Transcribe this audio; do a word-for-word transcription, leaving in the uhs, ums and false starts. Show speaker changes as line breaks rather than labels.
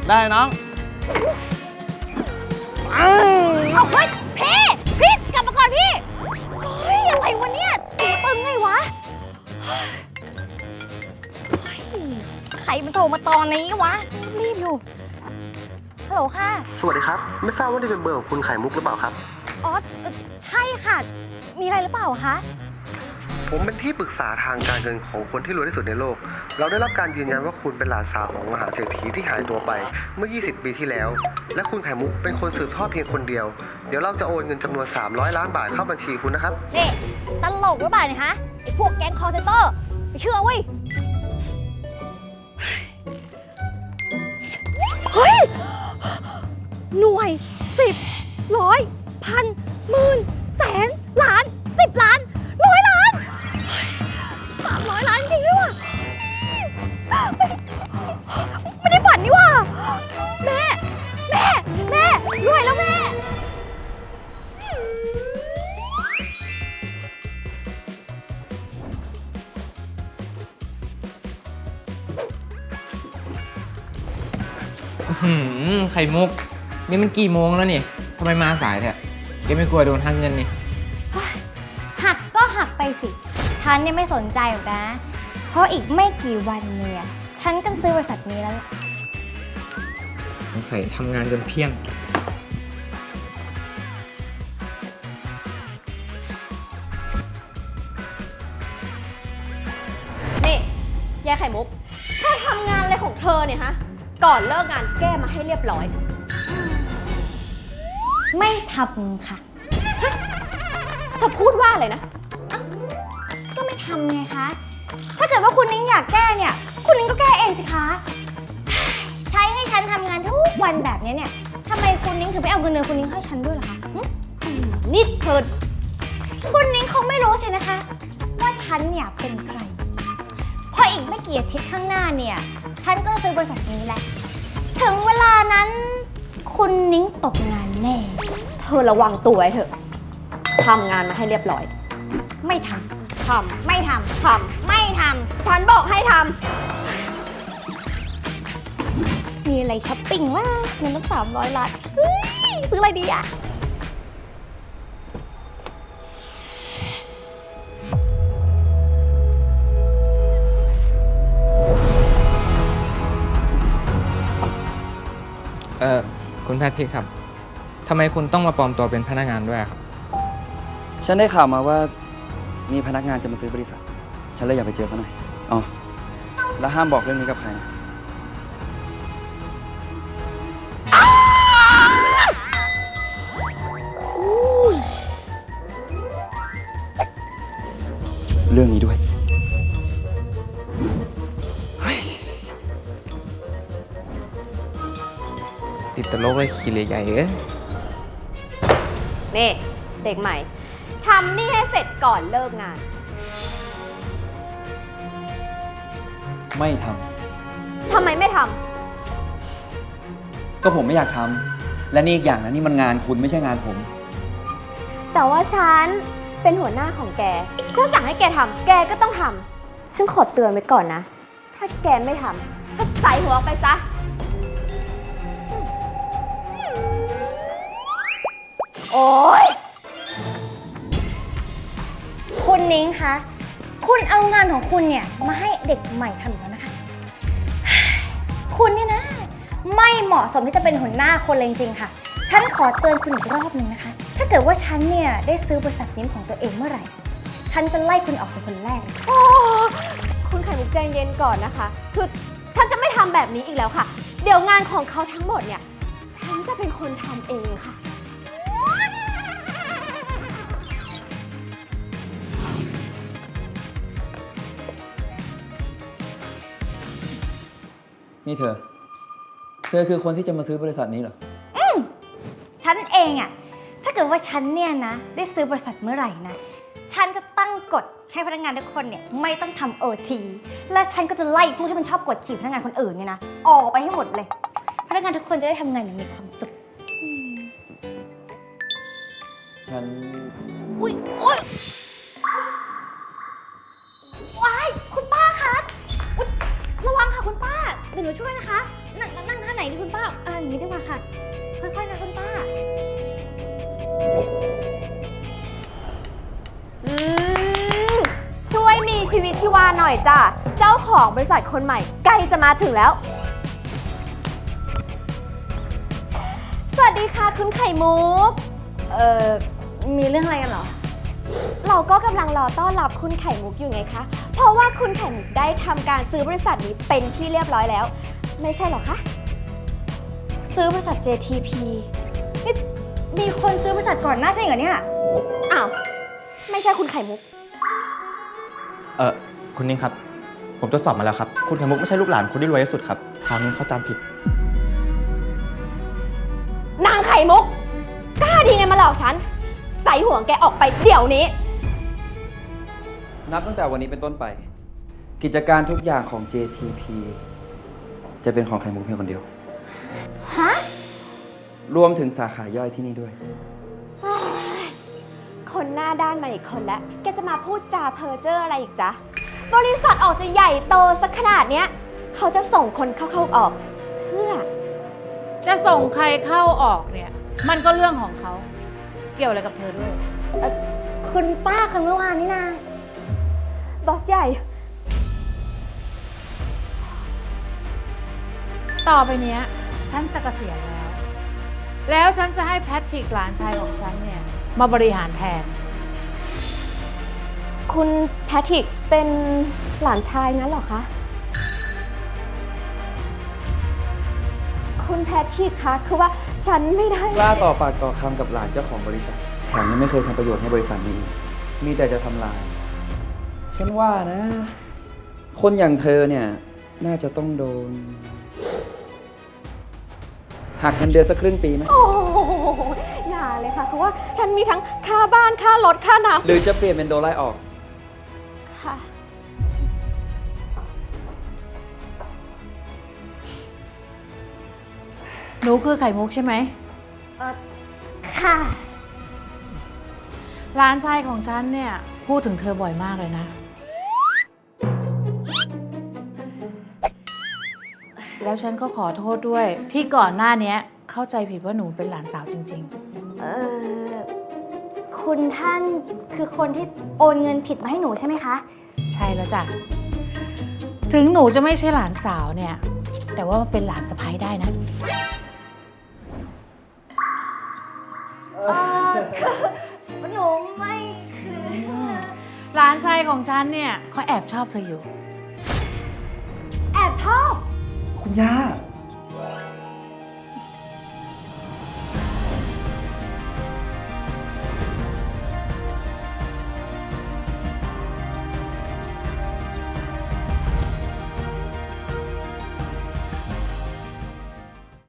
ได้น้อง
เอาเฮ้ยพี่พี่กลับมาก่อนพี่เฮ้ยอะไรวะเนี่ยตีตึงไงวะใครมันโทรมาตอนนี้วะรีบอยู่ฮัลโหลค่ะ
สวัสดีครับไม่ทราบว่านี่เป็นเบอร์ของคุณไข่มุกหรือเปล่าครับ
อ๋อใช่ค่ะมีอะไรหรือเปล่าคะ
ผมเป็นที่ปรึกษาทางการเงินของคนที่รวยที่สุดในโลกเราได้รับการยืนยันว่าคุณเป็นหลานสาวของมหาเศรษฐีที่หายตัวไปเมื่อยี่สิบปีที่แล้วและคุณไข่มุกเป็นคนสืบทอดเพียงคนเดียวเดี๋ยวเราจะโอนเงินจำนวนสามร้อยล้านบาทเข้าบัญชีคุณนะครับ
นี่ตลกหรือเปล่าเนี่ยฮะไอ้พวกแก๊งคอร์เซนเตอร์ไม่เชื่อเว้ยเฮ้ยหน่วยสิบร้อยพันหมื่นแสนล้านสิบล้านร้อยล้านสามร้อยล้านจริงด้วยว่ะไม่ได้ฝันนี่ว่ะแม่แม่แม่รวยแล้วแม่
หืมไข่มุกนี่มันกี่โมงแล้วนี่ทำไมมาสายแท้แกไม่กลัวโดนหักเงินนี่
หักก็หักไปสิฉันเนี่ยไม่สนใจหรอกนะเพราะอีกไม่กี่วันเนี่ยฉันก็ซื้อบริษัทนี้แล้ว
สงสัยทำงานจนเพี้ยง
นี่ยายไข่มุกเธอทำงานอะไรของเธอเนี่ยฮะก่อนเลิกงานแก้มาให้เรียบร้อย
ไม่ทำค่ะ
เธอพูดว่าอะไรนะ
ก็ไม่ทำไงคะถ้าเกิดว่าคุณนิ้งอยากแก้เนี่ยคุณนิ้งก็แก้เองสิคะใช้ให้ฉันทำงานทุกวันแบบนี้เนี่ยทำไมคุณนิ้งถึงไม่เอาเงินเดือนคุณนิ้งให้ฉันด้วยล่ะคะ
นี่เธอ
คุณนิ้งคงไม่รู้สินะคะว่าฉันเนี่ยเป็นใครเพราะอีกไม่กี่อาทิตย์ข้างหน้าเนี่ยฉันก็จะซื้อบริษัทนี้แหละถึงเวลานั้นคุณนิ้งตกงานแน่
เธอระวังตัวไว้เถอะทำงานมาให้เรียบร้อย
ไม่ท
ำท
ำไม่ทำ
ทำ
ไม่ท
ำฉันบอกให้ท
ำมีอะไรช้อปปิ้งวะเงินตั้งสามร้อยล้านซื้ออะไรดีอะ
เออคุณแพทริกครับทำไมคุณต้องมาปลอมตัวเป็นพนักงานด้วยครับ
ฉันได้ข่าวมาว่ามีพนักงานจะมาซื้อบริษัทฉันเลยอยากไปเจอเขาหน่อยอ๋อแล้วห้ามบอกเรื่องนี้กับใครนะเรื่องนี้ด้วย
ติดตลกเลยขี้เลยใหญ่เอ้ย
นี่เด็กใหม่ทำนี่ให้เสร็จก่อนเลิกงาน
ไม่ท
ำทำไมไม่ท
ำก็ผมไม่อยากทำและนี่อีกอย่างนะนี่มันงานคุณไม่ใช่งานผม
แต่ว่าฉันเป็นหัวหน้าของแกฉันสั่งให้แกทำแกก็ต้องทำฉันขอเตือนไว้ก่อนนะถ้าแกไม่ทำก็ใส่หัวไปซะโอ๊ย
คุณนิ้งคะคุณเอางานของคุณเนี่ยมาให้เด็กใหม่ทำอีกแล้วนะคะคุณเนี่ยนะไม่เหมาะสมที่จะเป็นหัวหน้าคนเลยจริงๆค่ะฉันขอเตือนคุณอีกรอบนึงนะคะถ้าเกิดว่าฉันเนี่ยได้ซื้อบริษัทนี้ของตัวเองเมื่อไหร่ฉันจะไล่คุณออกเป็นคนแรกเลย
โอ้คุณไข่มุกใจเย็นก่อนนะคะคือฉันจะไม่ทำแบบนี้อีกแล้วค่ะเดี๋ยวงานของเขาทั้งหมดเนี่ยฉันจะเป็นคนทำเองค่ะ
นี่เธอเธอคือคนที่จะมาซื้อบริษัทนี้เหรอ
อืมฉันเองอะถ้าเกิดว่าฉันเนี่ยนะได้ซื้อบริษัทเมื่อไหร่นะฉันจะตั้งกฎให้พนักงานทุกคนเนี่ยไม่ต้องทำโอทีและฉันก็จะไล่พวกที่มันชอบกดขี่พนักงานคนอื่นเนี่ยนะออกไปให้หมดเลยพนักงานทุกคนจะได้ทำงานอย่างมีความสุข
ฉัน
อุ๊ยโอ๊ยว้ายคุณป้าคะอุ๊ยระวังค่ะคุณป้าเดี๋ยวหนูช่วยนะคะนั่งนั่งท่าไหนดีคุณป้าอย่างนี้ดีกว่าค่ะ ค่อยๆนะคุณป้า
อืม ช่วยมีชีวิตชีวาหน่อยจ้ะ เจ้าของบริษัทคนใหม่ใกล้จะมาถึงแล้ว สวัสดีค่ะคุณไข่มุก
เอ่อ มีเรื่องอะไรกันเหรอ
เราก็กำลังรอต้อนรับคุณไข่มุกอยู่ไงคะ เพราะว่าคุณไข่มุกได้ทำการซื้อบริษัทนี้เป็นที่เรียบร้อยแล้ว ไม่ใช่หรอคะ
ซื้อบริษัท เจ ที พี นี่มีคนซื้อบริษัทก่อนหน้าใช่เหรอเนี่ย
อ้าว ไม่ใช่คุณไข่มุก
เออคุณนิ้งครับ ผมตรวจสอบมาแล้วครับ คุณไข่มุกไม่ใช่ลูกหลานคนที่รวยที่สุดครับทางนี้เขาจำผิด
นางไข่มุก กล้าดีไงมาหลอกฉัน ใส่หัวแกออกไปเดี๋ยวนี้
นับตั้งแต่วันนี้เป็นต้นไป กิจการทุกอย่างของ เจ ที พี จะเป็นของไข่มุกเพียงคนเดียว
ฮะ
รวมถึงสาขาย่อยที่นี่ด้วย
คนหน้าด้านมาอีกคนแล้ว แกจะมาพูดจาเพ้อเจ้ออะไรอีกจ๊ะ บริษัทออกจะใหญ่โตสักขนาดเนี้ย เขาจะส่งคนเข้าๆออก เพื่อ
จะส่งใครเข้าออกเนี่ย มันก็เรื่องของเขา เกี่ยวอะไรกับเธอด้วย
คุณป้าคนเมื่อวานนี่นา
บอสใหญ่
ต่อไปเนี้ย ฉันจะเกษียณแล้ว แล้วฉันจะให้แพทริกหลานชายของฉันเนี่ย มาบริหารแทน
คุณแพทริกเป็นหลานชายงั้นเหรอคะ คุณแพทริกคะคือว่าฉันไม่ได้
กล้าต่อปากต่อคำกับหลานเจ้าของบริษัท แถมยังไม่เคยทำประโยชน์ให้บริษัทนี้อีกมีแต่จะทำลาย ฉันว่านะ คนอย่างเธอเนี่ย น่าจะต้องโดน หักเงินเดือนสักครึ่งปีไหม
โอ้โหอย่าเลยค่ะคือว่าฉันมีทั้งค่าบ้านค่ารถค่าน้
หรือจะเปลี่ยนเป็นโดนไล่ออก
ำค่ะ
หนูคือไข่มุกใช่ไหม
เอ่อ ค่ะ
หลานชายของฉันเนี่ย พูดถึงเธอบ่อยมากเลยนะ แล้วฉันก็ขอโทษด้วย ที่ก่อนหน้านี้เข้าใจผิดว่าหนูเป็นหลานสาวจริง
เอ่อ คุณท่านคือคนที่โอนเงินผิดมาให้หนูใช่ไหมคะ
ๆ ใช่แล้วจ้ะ ถึงหนูจะไม่ใช่หลานสาวเนี่ย แต่ว่ามันเป็นหลานสะใภ้ได้นะ
เอ่อ หนูไม่คือ
หลานชายของฉันเนี่ยเขาแอบชอบเธออยู่
แอบชอบ
คุณย่า